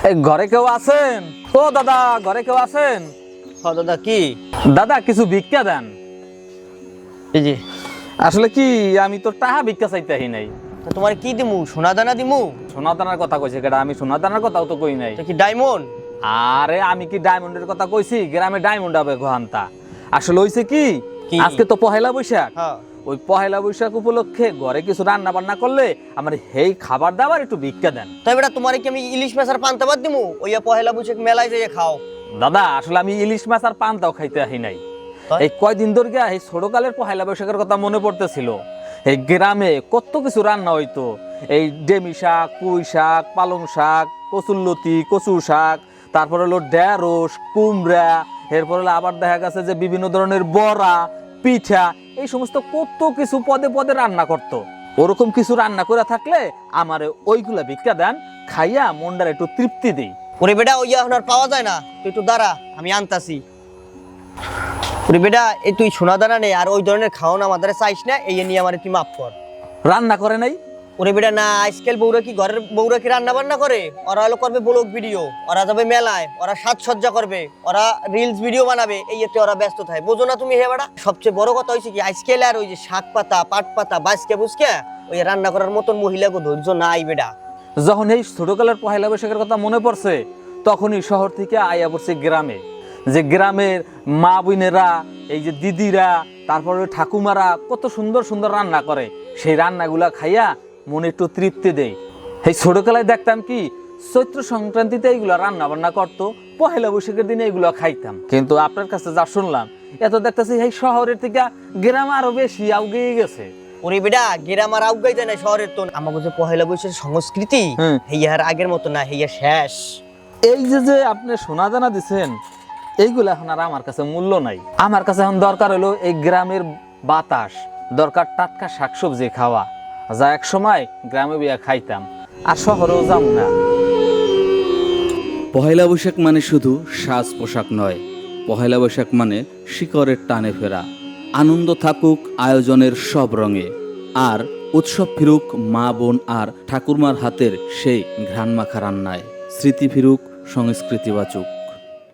এই ঘরে কেউ আছেন? ও দাদা, ঘরে কেউ আছেন? দাদা কি? দাদা কিছু ভিক্ষা দেন। এই যে আসলে কি, আমি তো টাকা ভিক্ষা চাইতেই নাই। তোমার কি দিমু? সোনা দানা দিমু? সোনা দানার কথা কইছে কেডা? আমি সোনা দানার কথাও তো কই নাই। এটা কি ডায়মন্ড? আরে আমি কি ডায়মন্ডের কথা কইছি? গ্রামে ডায়মন্ড হবে ঘন্টা। আসলে হইছে কি, কি? আজকে তো পহেলা বৈশাখ। হ্যাঁ। ওই পহেলা বৈশাখ উপলক্ষে ঘরে কিছু রান্না বান্না করলে আমার এই খাবার দাবার একটু ভিক্ষা দেন। তাই বেটা তোমার কি আমি ইলিশ মাছ আর পান্তা ভাত দিমু? ওইয়া পহেলা বৈশাখ মেলায় যাইয়া খাও। দাদা আসলে আমি ইলিশ মাছ আর পান্তাও খাইতে আহি নাই। তাই? এই কয়দিন ধরে গিয়া এই ছোটকালের পহেলা বৈশাখের কথা মনে পড়তেছিল। এই গ্রামে কত কিছু রান্না হইতো। এই ডেমি শাক, পুঁই শাক, পালং শাক, কচুরলতি, কচু শাক, তারপর হলো ঢেঁড়স, কুমড়া, এরপর হলো আবার দেখা গেছে যে বিভিন্ন ধরনের বড়া, পিঠা, এই সমস্ত কত কিছু পদে পদে রান্না করতো। ওরকম কিছু রান্না করে থাকলে আমারে ওইগুলা ভিক্ষা দেন, খাইয়া মনটার একটু তৃপ্তি দেই। ওরে বেটা ওইয়া এখন আর পাওয়া যায় না, তুই একটু দাঁড়া, আমি আনতাছি। ওরে বেটা এই তুই সোনা দানা নেই আর ওই ধরনের খাওন আমাদের চাইস না, এই নিয়ে আমার তুই মাফ কর। রান্না করে নাই? ওরে বেটা না, আজকাল বউরা কি ঘরের বউরা কি রান্না বান্না করে? ওরা হলো করবে ব্লগ ভিডিও, ওরা যাবে মেলায়, ওরা সাজসজ্জা করবে, ওরা রিলস ভিডিও বানাবে, এই এতে ওরা ব্যস্ত থাকে। বোঝো না তুমি? হে বেটা সবচেয়ে বড় কথা হয়েছে কি, আজকাল আর ওই যে শাক পাতা, পাট পাতা, বাঁচকে বুঝকে ওই রান্না করার মতন মহিলাকে ধৈর্য নাই বেটা। যখন এই ছোটকালের পহেলা বৈশাখের কথা মনে পড়ছে, তখনই শহর থেকে আইয়া পড়ছে গ্রামে। যে গ্রামের মা বোনেরা, এই যে দিদিরা, তারপরে ঠাকুমারা কত সুন্দর সুন্দর রান্না করে, সেই রান্নাগুলা খাইয়া মনে একটু তৃপ্তি দেয়। এই ছোটকালায় দেখতাম কি, চৈত্র সংক্রান্তিতে এইগুলা রান্না বান্না করতো, পহেলা বৈশাখের দিনে এইগুলো খাইতাম। কিন্তু আপনার কাছে যা শুনলাম, এত দেখতেছি এই শহরের থেকে গ্রাম আরো বেশি আউগিয়ে গেছে। ওরে বেটা গ্রাম আর আউগাই যায় না শহরের তো। আমাকে যে পহেলা বৈশাখের সংস্কৃতি হেইয়া আর আগের মতো না, হেইয়া শেষ। এই যে যে আপনি সোনা দানা দিচ্ছেন, এইগুলো এখন আর আমার কাছে মূল্য নাই। আমার কাছে এখন দরকার হলো এই গ্রামের বাতাস, দরকার টাটকা শাকসবজি খাওয়া, যা এক সময় গ্রামে বিয়া খাইতাম, আর শহরেও যাব না। পহেলা বৈশাখ মানে শুধু সাজ পোশাক নয়, পহেলা বৈশাখ মানে শিকড়ের টানে ফেরা। আনন্দ থাকুক আয়োজনের সব রঙে, আর উৎসব ফিরুক মা বোন আর ঠাকুরমার হাতের সেই ঘ্রাণ মাখা রান্নায়। স্মৃতি ফিরুক সংস্কৃতি বাঁচুক।